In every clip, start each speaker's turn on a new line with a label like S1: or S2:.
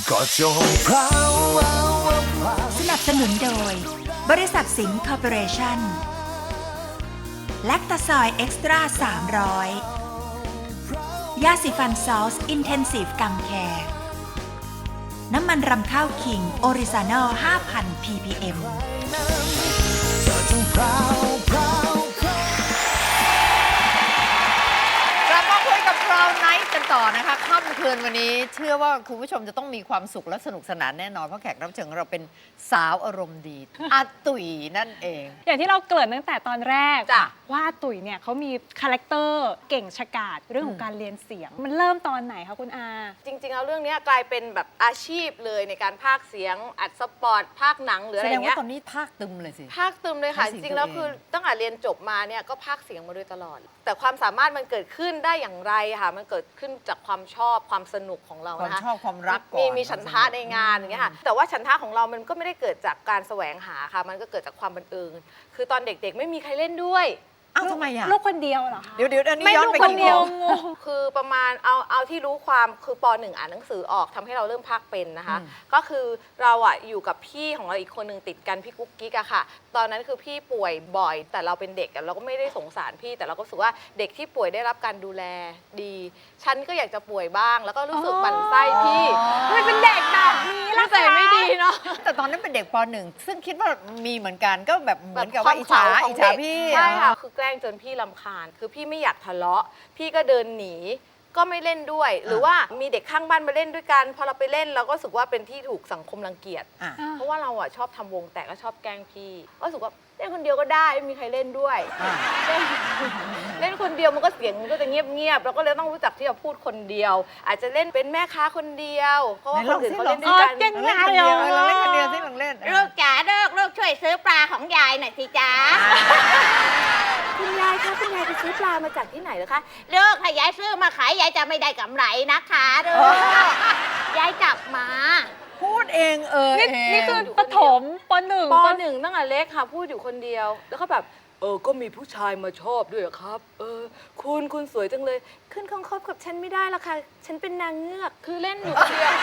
S1: ก็จงพราว
S2: สนับสนุนโดยบริษัทสิงห์คอร์ปอเรชั่นแลคตาซอยเอ็กซ์ตร้า300ยาสีฟันซอสอินเทนซีฟกัมแคร์น้ำมันรำข้าวคิงออริซานอล 5,000 ppm
S3: กลับมาคุยกับเราไนท์กันต่อนะคะค่ำคืนวันนี้เชื่อว่าคุณผู้ชมจะต้องมีความสุขและสนุกสนานแน่นอนเพราะแขกรับเชิญของเราเป็นสาวอารมณ์ดีอาตุ๋ยนั่นเอง
S4: อย่างที่เราเกริ่นตั้งแต่ตอนแรก
S3: จ้ะ
S4: ว่าตุ๋ยเนี่ยเขามีคาแรคเตอร์เก่งฉกาจเรื่องของการเรียนเสียง มันเริ่มตอนไหนคะคุณอา
S5: จริงๆแล้วเรื่องนี้กลายเป็นแบบอาชีพเลยในการพากย์เสียงอัดสปอร์ตพากย์หนังหรือ
S3: แส
S5: อะไร
S3: ด
S5: อง ย่าง
S3: ว่า
S5: เงี้ย
S3: ตอนนี้ภาคตึมเลยสิ
S5: พากย์ตึมเลยค่ะ
S3: ใช้
S5: จ
S3: เสียง
S5: ริงๆแล้ว
S3: ตัวเอง
S5: คือตั้งแต่เรียนจบมาเนี่ยก็พากย์เสียงมาโดยตลอด แต่ความสามารถมันเกิดขึ้นได้อย่างไรค่ะมันเกิดขึ้นจากความชอบความสนุกของเรา
S3: ความ
S5: นะคะ
S3: ชอบความรักก่อน
S5: มีฉันทะในงานอย่างเงี้ยค่ะแต่ว่าฉันทะของเรามันก็ไม่ได้เกิดจากการแสวงหาค่ะมันก็เกิดจากความบังเอิญคือตอนเด็กๆไม่มีใครเล่นด้วย
S3: อ้าวทำไมอ่ะ
S4: ลูกคนเดียวเหรอคะ
S3: เดี๋ยวอันนี้
S5: ไม่
S3: ย้อน
S5: ลูก
S3: ไป
S5: คน
S3: กี่
S5: เดียว
S3: ขวบ
S5: คือประมาณเอาที่รู้ความคือป .1 อ่านหนังสือออกทำให้เราเริ่มพากย์เป็นนะคะ ก็คือเราอ่ะอยู่กับพี่ของเราอีกคนหนึ่งติดกันพี่กุ๊กกิ๊กอะค่ะ ตอนนั้นคือพี่ป่วยบ่อย แต่เราเป็นเด็กอะเราก็ไม่ได้สงสารพี่แต่เราก็รู้สึกว่าเด็กที่ป่วยได้รับการดูแลดี ฉันก็อยากจะป่วยบ้าง แล้วก็รู้สึกหมั่นไส้พี่
S4: ทำไมเป็นเด็กแบบนี้ล่ะ
S5: นิสัยไม่ดีเนาะ
S3: แต่ตอนนั้นเป็นเด็กป .1 ซึ่งคิดว่ามีเหมือนกันก็แบบเหมือนกับว่าอิจฉา
S5: แบบควม
S3: อิจ
S5: เข
S3: ฉา
S5: ของเด็ก
S3: พี่
S5: ใช่ค่ะคือแกล้งจนพี่รำคาญคือพี่ไม่อยากทะเลาะพี่ก็เดินหนีก็ไม่เล่นด้วย หรือว่ามีเด็กข้างบ้านมาเล่นด้วยกันพอเราไปเล่นเราก็รู้สึกว่าเป็นที่ถูกสังคมรังเกียจ
S3: อ่ะ
S5: เพราะว่าเราอ่ะชอบทำวงแตกก็ชอบแกล้งพี่ก็รู้สึกว่าเล่นคนเดียวก็ได้ไม่มีใครเล่นด้วย
S3: อ่ะ
S5: เล่นคนเดียวมันก็เสียงมันก็จะเงียบๆเราก็เลยต้องรู้จักที่จะพูดคนเดียว อาจจะเล่นเป็นแม่ค้าคนเดียว เพราะว่าคนอื่นเขาเล่นด้วยกัน
S4: เก่ง
S3: เราเล่นคนเดียวเราเล่นคนเดียวที่ลองเล่น
S6: ลูกจ๋าลูกช่วยซื้อปลาของยายหน่อยสิจ๊ะ
S5: คุณยายคะคุณยายไปซื้อปลามาจากที่ไหนเหรอคะ
S6: ลูกถ้ายายซื้อมาขายยายจะไม่ได้กำไรนะคะลูกยายจับมา
S3: พูดเอง
S4: นี่
S3: เอง
S4: นี่คือปฐมปหนึ่ง
S5: ปหนึ่งตั้งแต่เล็กค่ะพูดอยู่คนเดียว แล้วก็แบบก็มีผู้ชายมาชอบด้วยเหรอครับ คุณสวยจังเลย ขึ้นคบกับฉันไม่ได้ละค่ะ ฉันเป็นนางเงือกคือเล่นอยู่คนเดียว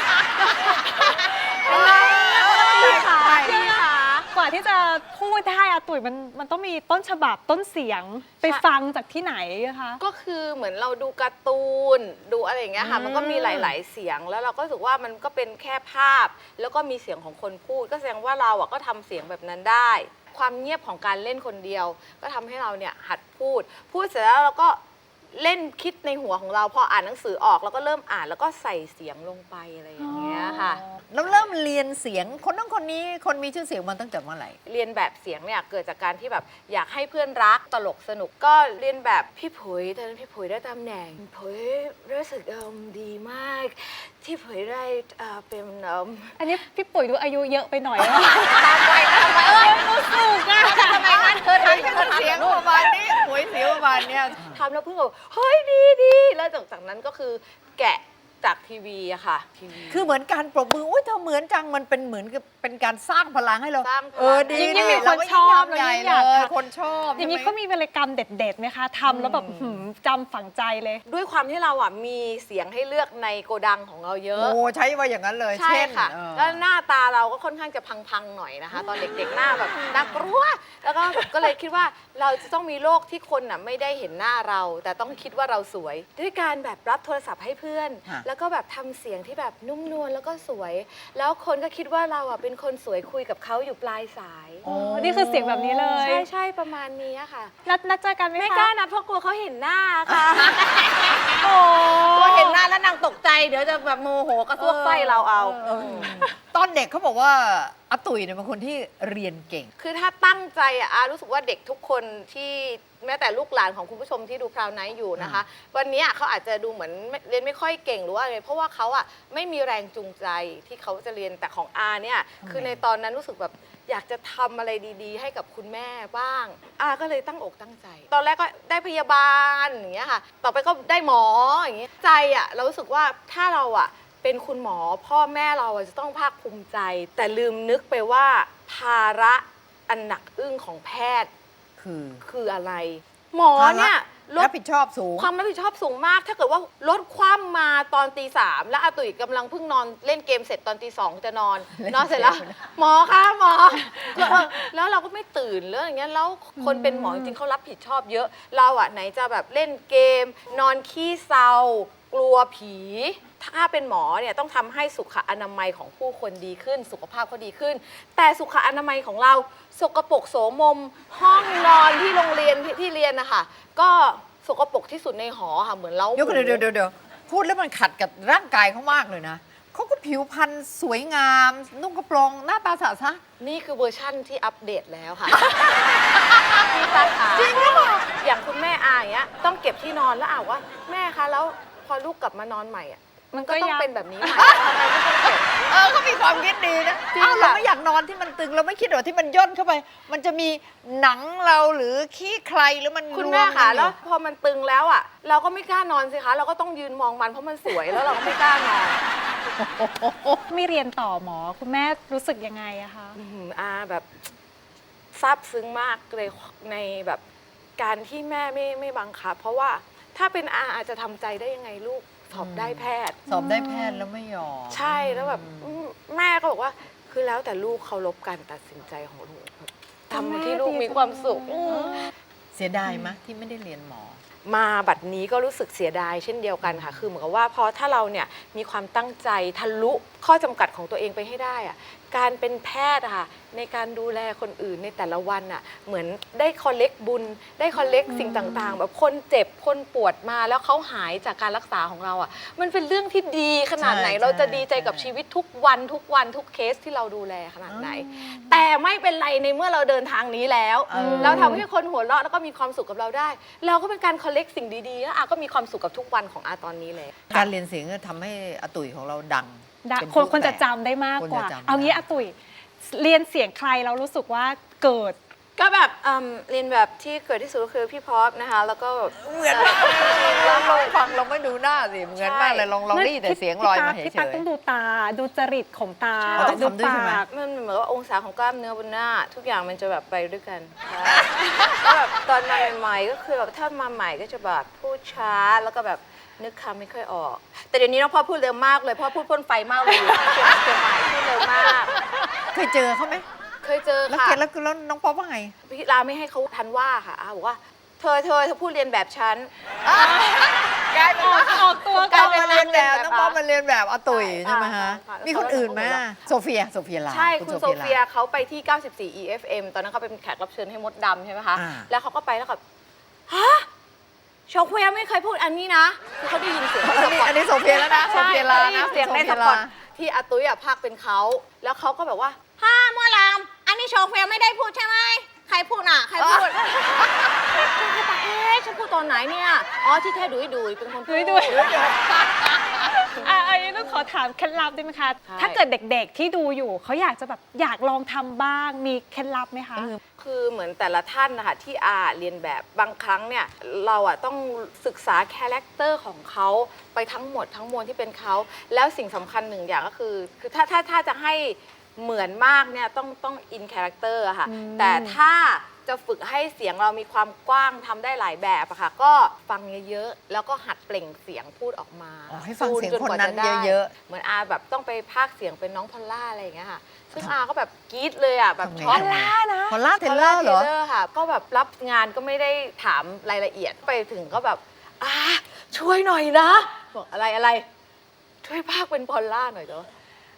S5: พี่ค่ะพี่ค่ะ
S4: กว่าที่จะพูดได้อะตุ๋ยมันต้องมีต้นฉบับต้นเสียงไปฟังจากที่ไหนอะคะ
S5: ก็คือเหมือนเราดูการ์ตูนดูอะไรอย่างเงี้ยค่ะมันก็มีหลาย ๆ เสียงแล้วเราก็รู้สึกว่ามันก็เป็นแค่ภาพ แล้วก็มีเสียงของคนพูด ก็แสดงว่าเราอ่ะก็ทำเสียงแบบนั้นได้ ความเงียบของการเล่นคนเดียว ก็ทำให้เราเนี่ยหัดพูดเสร็จแล้วเราก็เล่นคิดในหัวของเราพออ่านหนังสือออกแล้วก็เริ่มอ่านแล้วก็ใส่เสียงลงไปอะไรอย่างเงี้ยค่ะ
S3: แล้วเริ่มเรียนเสียงคนนั้นคนนี้คนมีชื่อเสียงมาตั้งแต่เมื่อไหร่
S5: เรียนแบบเสียงเนี่ยเกิดจากการที่แบบอยากให้เพื่อนรักตลกสนุกก็เรียนแบบพี่ผุยตอนนั้นพี่ผุยได้ตำแหน่งผุยรู้สึกดีมาก ที่ผุยได้เป็น
S4: อันนี้พี่ปุ๋ยดูอายุเยอะไปหน่อย
S5: ตามวัยตามวัย
S4: รู้สึกอะ
S5: ทำไมงั้นเธอทำ
S3: เป็นเสียงประมาณนี้หวยเสียงประมาณเนี้ย
S5: ทำแล้วเพิ่งบอกเฮ้ยดีแล้วจากนั้นก็คือแกะจากทีวีอะค่ะทีวี
S3: คือเหมือนการปรบมืออุ้ยเธอเหมือนจังมันเป็นเหมือนกับเป็นการสร้างพลังให้เรา
S5: สร้างพลัง
S3: ดี
S4: ยิ่งมี
S3: เรา
S4: คน
S3: ก็
S4: ชอบ
S3: ทำใหญ่
S4: เรายิ่งอยาก
S3: เลย
S4: ทำ
S3: คนชอบ
S4: อย่างนี้
S3: ใช่
S4: เขา
S3: ไหม
S4: มีวรรณกรรมเด็ดๆไหมคะทำแล้วแบบจำฝังใจเลย
S5: ด้วยความที่เราอ่ะมีเสียงให้เลือกในโกดังของเราเยอะ
S3: โอ้ใช้ว่าอย่างนั้นเลย
S5: ใช่
S3: เช่น
S5: ค่ะ
S3: เออ
S5: แล้วหน้าตาเราก็ค่อนข้างจะพังๆหน่อยนะคะ ตอนเด็กๆหน้าแบบน่ากลัวแล้วก็เลยคิดว่าเราจะต้องมีโลกที่คนน่ะไม่ได้เห็นหน้าเรา แต่ต้องคิดว่าเราสวย ด้วยการแบบรับโทรศัพท์ให้เพื่อน แล้วก็แบบทำเสียงที่แบบนุ่มนวลแล้วก็สวย แล้วคนก็คิดว่าเราอ่ะเป็นคนสวยคุยกับเขาอยู่ปลายสาย
S3: โอ้
S4: นี่คือเสียงแบบนี้เลย
S5: ใช่ประมาณนี้ค่ะ
S4: นัดเจอกันไหมคะ
S5: ไม่กล้านะเพราะกลัวเขาเห็นหน้าค่ะ
S4: โอ้
S5: กลัวเห็นหน้าแล้วนางตกใจเดี๋ยวจะแบบโมโหกระซวกไส้เราเอา
S3: ตอนเด็กเขาบอกว่าอาตุ๋ยเนี่ยเป็นคนที่เรียนเก่ง
S5: คือถ้าตั้งใจอะอารู้สึกว่าเด็กทุกคนที่แม้แต่ลูกหลานของคุณผู้ชมที่ดูพราวไนท์อยู่นะคะ วันนี้เขาอาจจะดูเหมือนเรียนไม่ค่อยเก่งหรือว่าอะไรเพราะว่าเขาอะไม่มีแรงจูงใจที่เขาจะเรียนแต่ของอาเนี่ยคือในตอนนั้นรู้สึกแบบอยากจะทำอะไรดีๆ ให้กับคุณแม่บ้างอาก็เลยตั้งอกตั้งใจ ตอนแรกก็ได้พยาบาลอย่างเงี้ยค่ะต่อไปก็ได้หมออย่างเงี้ยใจอะเรารู้สึกว่าถ้าเราอะเป็นคุณหมอพ่อแม่เราอะจะต้องภาคภูมิใจ แต่ลืมนึกไปว่าภาระอันหนักอึ้งของแพทย์
S3: คือ
S5: คืออะไร หมอเนี่ย
S3: รับผิดชอบสูง
S5: ความรับผิดชอบสูงมาก ถ้าเกิดว่ารถคว่ำมาตอนตี 3แล้วอาตุ๋ยกำลังเพิ่งนอนเล่นเกมเสร็จตอนตี 2จะนอน นอนเสร็จแล้ว หมอคะหมอแล้วเราก็ไม่ตื่นแล้วอย่างเงี้ยแล้วคนเป็นหมอจริงๆเขารับผิดชอบเยอะ เราอะไหนจะแบบเล่นเกม นอนขี้เศร้ากลัวผี ถ้าเป็นหมอเนี่ยต้องทำให้สุขอนามัยของผู้คนดีขึ้น สุขภาพเขาดีขึ้น แต่สุขอนามัยของเราสกปรกโสมม ห้องนอนที่โรงเรียนที่เรียนนะคะก็สกปรกที่สุดในหอค่ะเหมือนเล้าหมู
S3: เดี๋ยวพูดแล้วมันขัดกับร่างกายเขามากเลยนะเขาก็ผิวพรรณสวยงาม นุ่งกระโปรงหน้าตาสะซะ
S5: นี่คือเวอร์ชั่นที่อัปเดตแล้วค่ะ พี่ตาขาจริงหรือเปล่าอย่างคุณแม่อาอย่างเงี้ยต้องเก็บที่นอนแล้วว่าแม่คะแล้วพอลูกกลับมานอนใหม่อ่ะมันก็ต้องเป็นแบบนี้ใหม่ทำไมไม่ต้องเก็บ
S3: เขามีความคิดดีนะ
S5: จริง
S3: อ้าวเรา
S5: ค่ะ
S3: ไม่อยากนอนที่มันตึงเราไม่คิดหรอที่มันย่นเข้าไป มันจะมีหนังเราหรือขี้ใครหรือมัน
S5: คุณ
S3: รว
S5: แม่
S3: ม
S5: ค่ะ
S3: กันอยู่
S5: แล้วพอมันตึงแล้วอ่ะเราก็ไม่กล้านอนสิคะเราก็ต้องยืนมองมันเพราะมันสวยแล้วเราก็ไม่กล้านอน
S4: ไม่เรียนต่อหมอคุณแม่รู้สึกยังไงอะคะ
S5: แบบซาบซึ้งมากเลยในแบบการที่แม่ไม่บังคับ เพราะว่าถ้าเป็นอาจจะทำใจได้ยังไงลูกสอบได้แพทย์
S3: สอบได้แพทย์แล้วไม่ยอม
S5: ใช่แล้วแบบแม่ก็บอกว่าคือแล้วแต่ลูกเคารพการตัดสินใจของลูกแบบทำที่ลูกมีความสุข
S3: เสียดายไหมที่ไม่ได้เรียนหมอ
S5: มาบัดนี้ก็รู้สึกเสียดายเช่นเดียวกันค่ะ คือเหมือนกับว่าพอถ้าเราเนี่ยมีความตั้งใจทะลุข้อจำกัดของตัวเองไปให้ได้อะการเป็นแพทย์อะค่ะในการดูแลคนอื่นในแต่ละวันอะเหมือนได้คอลเลกบุญได้คอลเลกสิ่งต่างๆ แบบคนเจ็บคนปวดมาแล้วเขาหายจากการรักษาของเราอะมันเป็นเรื่องที่ดีขนาดไหน
S3: ใช่
S5: เราจะดีใจกับ
S3: ใช่
S5: ชีวิตทุกวันทุกเคสที่เราดูแลขนาดไหน แต่ไม่เป็นไรในเมื่อเราเดินทางนี้แล้ว เราทำให้คนหัวเราะแล้วก็มีความสุขกับเราได้ เราก็เป็นการคอลเลกสิ่งดีๆแล้วอาก็มีความสุขกับทุกวันของอาตอนนี้เลย
S3: การเรียนเสียงก็ทำให้อาตุ๋ยของเราดังเป็น
S4: คนจะ
S3: แปลก
S4: จำได้มากกว่า
S3: คนจะจำ
S4: เอางี้
S3: ได้
S4: อาตุ๋ยเรียนเสียงใครเรารู้สึกว่าเกิด
S5: ก็แบบเรียนแบบที่เกิดที่สุดก็คือพี่พอปนะคะ แล้วก็แบบ
S3: เหมือนมากเลยเราฟังเราไม่ดูหน้าสิเหมือนมากเลยลองได้ยินแต่เสียงลอยมาเฉ
S4: พี่ตั๊ก
S3: ย
S4: ต้องดูตาดูจริตของตา
S3: อ๋อต้อง
S4: ดู
S3: ทำด้วยใช่ไหม
S4: ปาก
S5: มันเหมือนว่าองศาของกล้ามเนื้อบนหน้า ทุกอย่างมันจะแบบไปด้วยกันก็แบบตอนมาใหม่ๆก็คือแบบถ้ามาใหม่ก็จะแบบพูดช้าแล้วก็แบบนึกคำไม่ค่อยออก แต่เดี๋ยวนี้น้องพ่อพูดเร็วมากเลยพ่อพูดพ่นไฟมากเลยอยู่เชียงใหม่พูดเร็วมาก
S3: ๆเคยเจอเขาไหม
S5: เคยเจอ
S3: แล้ว
S5: ค่ะ
S3: เกดแล้วน้องป๊อปว่าไง
S5: พี่ลาไม่ให้เขาทันว่าค่ะอาบอกว่าเธอพูดเรียนแบบฉัน
S3: กลายเป็นว่า
S4: ออกตัว
S3: ก
S4: ก่
S3: ลา
S4: อย น
S3: เป็นเรียนแบบน้องป๊อปมาเรียนแบบอาตุ๋ยใช่ไหมฮะ
S5: อ่ามี
S3: มีคนอื่นไหมโซเฟียลา
S5: ใช่ คุณโซเฟีย
S3: ลา
S5: เขาไปที่ 94 EFM ตอนนั้นเขาเป็นแขกรับเชิญให้มดดำใช่ไหมคะ
S3: อ่า
S5: แล้วเขาก็ไปแล้วก็ฮะโชคเฟียไม่เคยพูดอันนี้นะคือเขาได้ยินเสียง
S3: อันนี้โซเฟียแล้วนะโซ
S5: ใช่
S3: เฟียลา
S5: ได้ยิ
S3: นะ
S5: นเสียงในสปอตที่อาตุ้ยพากเป็นเขาแล้วเขาก็แบบว่า
S6: ฮ่ามัวลามอันนี้โชเฟียไม่ได้พูดใช่ไหมใครพูดอ่ะ ใครพูด
S5: เอ๊ะฉันพูดตอนไหนเนี่ยอ๋อที่แท้ดุยเป็นคนพูด
S4: ดุยอันนี้ต้องขอถามเคล็ดลับได้ไหมคะ
S5: ใช่
S4: ถ้าเกิดเด็กๆที่ดูอยู่เขาอยากจะแบบอยากลองทำบ้างมีเคล็ดลับไหมคะ
S5: คือเหมือนแต่ละท่านนะคะที่อาเรียนแบบบางครั้งเนี่ยเราอะต้องศึกษาคาแรคเตอร์ของเขาไปทั้งหมดทั้งมวลที่เป็นเขาแล้วสิ่งสำคัญหนึ่งอย่างก็คือถ้าจะให้เหมือนมากเนี่ยต้องอินคาแรคเตอร์อะค่ะแต่ถ้าจะฝึกให้เสียงเรามีความกว้างทำได้หลายแบบอะค่ะก็ฟังเยอะๆแล้วก็หัดเปล่งเสียงพูดออกมา
S3: อ๋อให้ฟังเสียง
S5: จกว่า
S3: คนนั้น
S5: จได้
S3: เยอะ
S5: เหมือนอาแบบต้องไปพากย์เสียงเป็นน้องพอลล่าอะไรอย่างเงี้ยค่ะซึ่งอาก็แบบกรี๊ดเลยอะแบบ
S3: ทำไง
S5: ช็อก
S3: พอลล่าเทเลอร์เหรอ
S5: พลล่าค่ะ ก็แบบรับงานก็ไม่ได้ถามรายละเอียดไปถึงก็แบบช่วยหน่อยนะบอกอะไรช่วยพากย์เป็นพอลล่าหน่อยเถอะ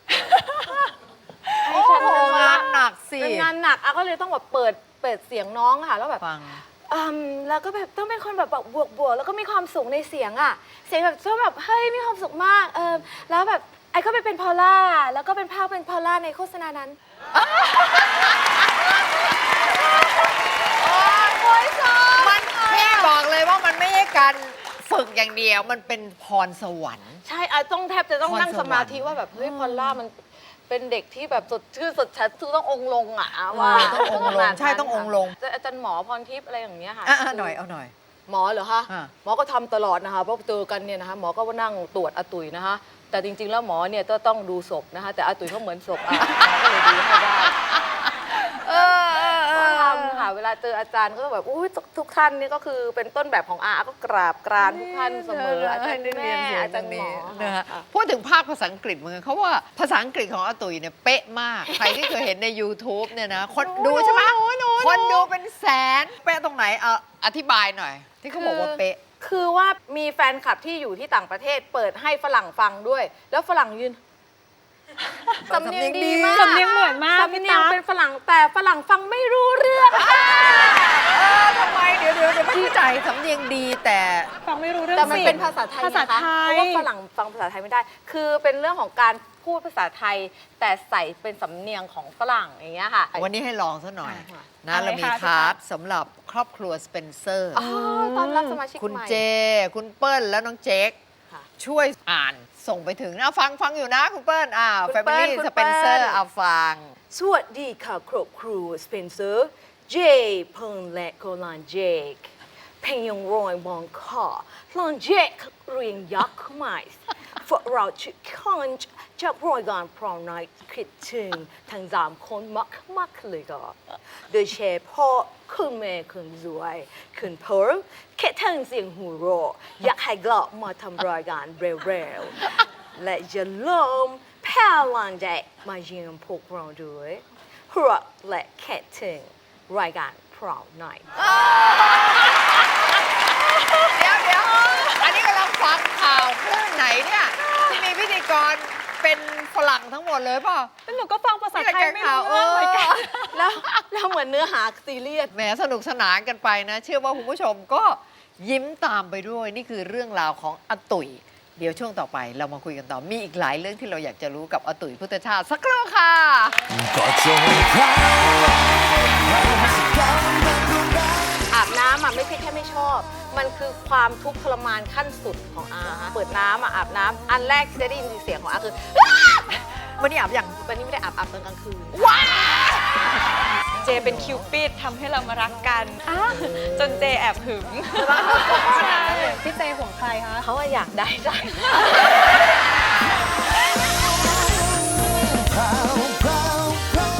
S3: โอ้โหงานหนักสิ
S5: เป็นงานหนักอาก็เลยต้องแบบเปิดเสียงน้องค่ะแล้วแบบ
S3: ฟัง
S5: แล้วก็แบบต้องเป็นคนแบบบวกแล้วก็มีความสุขในเสียงอ่ะเสียงแบบชอบแบบเฮ้ยมีความสุขมากแล้วแบบไอ้ก็ไปเป็นพอลล่าแล้วก็เป็นภาพเป็นพอลล่าในโฆษณานั้น
S3: มันพี่บอกเลยว่ามันไม่ใช่การฝึกอย่างเดียว มันเป็นพรสวรรค์
S5: ใช่ต้องแทบจะต้อง
S3: พร
S5: นั่ง
S3: สวรรค์
S5: สมาธิว่าแบบเฮ้ยพอลล่ามันเป็นเด็กที่แบบสดชื่นสดชัดต้ององค์ลงอ่ะว่า
S3: ต้ององค์ลงใช่ต้ององค์ลง
S5: อาจารย์หมอพรทิพย์อะไรอย่างเงี้ยค่ะ
S3: หน่อยเอาหน่อย
S5: หมอเหรอคะ
S3: อ่า
S5: หมอก็ทำตลอดนะคะเพราะเจอกันเนี่ยนะคะหมอก็ว่านั่งตรวจอาตุ๋ยนะคะแต่จริงๆแล้วหมอเนี่ยต้องดูศพนะคะแต่อาตุ๋ยเขาเหมือนศพหมอก็เลยดูให้ได้ก็ทำค่ะเวลาเจออาจารย์ก็แบบอุ้ยทุกท่านนี่ก็คือเป็นต้นแบบของอาก็กราบกรานทุกท่านเสมออาจารย์แม่อาจารย์หมอ
S3: นะฮะพูดถึงภาคภาษาอังกฤษเหมือนกันเขาว่าภาษาอังกฤษของอาตุ๋ยเนี่ยเป๊ะมาก ใครที่เคยเห็นใน YouTube เนี่ยนะคนดูใช่ไหมคนดูเป็นแสนเป๊ะตรงไหนอธิบายหน่อย ที่เขาบอกว่าเป๊ะ
S5: คือว่ามีแฟนคลับที่อยู่ที่ต่างประเทศเปิดให้ฝรั่งฟังด้วย แล้วฝรั่งยืนสำเนียงดีมาก
S4: สำเนียงเหมือนมาก
S5: สำเนียงเป็นฝรั่งแต่ฝรั่งฟังไม่รู้เรื่อง
S3: ทำไมเดี๋ยวไม่เข้าใจสำเนียงดีแต่
S4: ฟังไม่รู้เรื่อง
S5: แต่มัน
S4: สิ
S5: เป็นภาษาไทย
S4: ภาษา
S5: นะคะ
S4: ไท
S5: เพ
S4: ย
S5: ราะว่าฝรั่งฟังภาษาไทยไม่ได้ คือเป็นเรื่องของการพูดภาษาไทย แต่ใส่เป็นสำเนียงของฝรั่งอย่างเงี้ยค่ะ
S3: วันนี้ให้ลองซะหน่อย
S5: ค่ะ
S3: นะเรามีคาร์ดสำหรับครอบครัวสเปนเซอร์
S5: อ๋อตอนรับสมาชิก
S3: คุณ
S5: ใหม่
S3: เจ คุณเปิ้ลแล้วน้องเจ๊ก
S5: ค่ะ
S3: ช่วยอ่านส่งไปถึงนะฟังอยู่นะคุณเปิ้ล
S5: คุณ
S3: แฟมิ
S5: เปิ้ล
S3: ลี่
S5: คุณ
S3: ส
S5: เปิ้
S3: เป
S5: ล
S3: นเซอร์ฟัง
S1: สวัสดีค่ะครอบครัวสเปนเซอร์เจเพิงและโกลานเจกเพลงยังรอยมองคอลอนเจกเรียงยักษ์ไม้พวกเราชุดคอนจากรายการพรอมไนท์คิดถึงทั้งสามคนมักเลยก็โดยเฉพาะคุณแม่คุณรวยคุณพ่อแค่ทั้งเสียงหัวเราะอยากให้กลับมาทำรายการเร็วๆและอย่าลืมแพลังใจมาเยี่ยมพวกเราด้วยรักและแค่ถึงรายการพรอมไนท์
S3: เดี๋ยวอันนี้กำลังฟังข่าวคลื่นไหนเนี่ย ที่มีพิธีกรเป็นฝรั่งทั้งหมดเลยเปล่ะ
S4: แล้วหนูก็ฟังภาษาไทยไม่รู้เรื่องเหมือนกัน
S5: แล้วเหมือนเนื้อหาซีเรียส
S3: แหมสนุกสนานกันไปนะ เชื่อว่าคุณผู้ชมก็ยิ้มตามไปด้วย นี่คือเรื่องราวของอาตุ๋ย เดี๋ยวช่วงต่อไปเรามาคุยกันต่อ มีอีกหลายเรื่องที่เราอยากจะรู้กับอาตุ๋ยพุทธชาติสักครู่ค่ะ
S5: อาบน้ำอ่ะไม่ใช่แค่ไม่ชอบ มันคือความทุกข์ทรมานขั้นสุดของอาเปิดน้ำอ่ะอาบน้ำอันแรกที่จะได้ยินเสียงของอาคือ
S3: วันนี้อาบอย่าง
S5: วันนี้ไม่ได้อาบตอนกลางคืน
S4: เจเป็นคิวปิดทำให้เรามารักกันจนเจแอบหึงใช่พี่เจห่วงใครคะ
S5: เขาอะอยากได้ใจ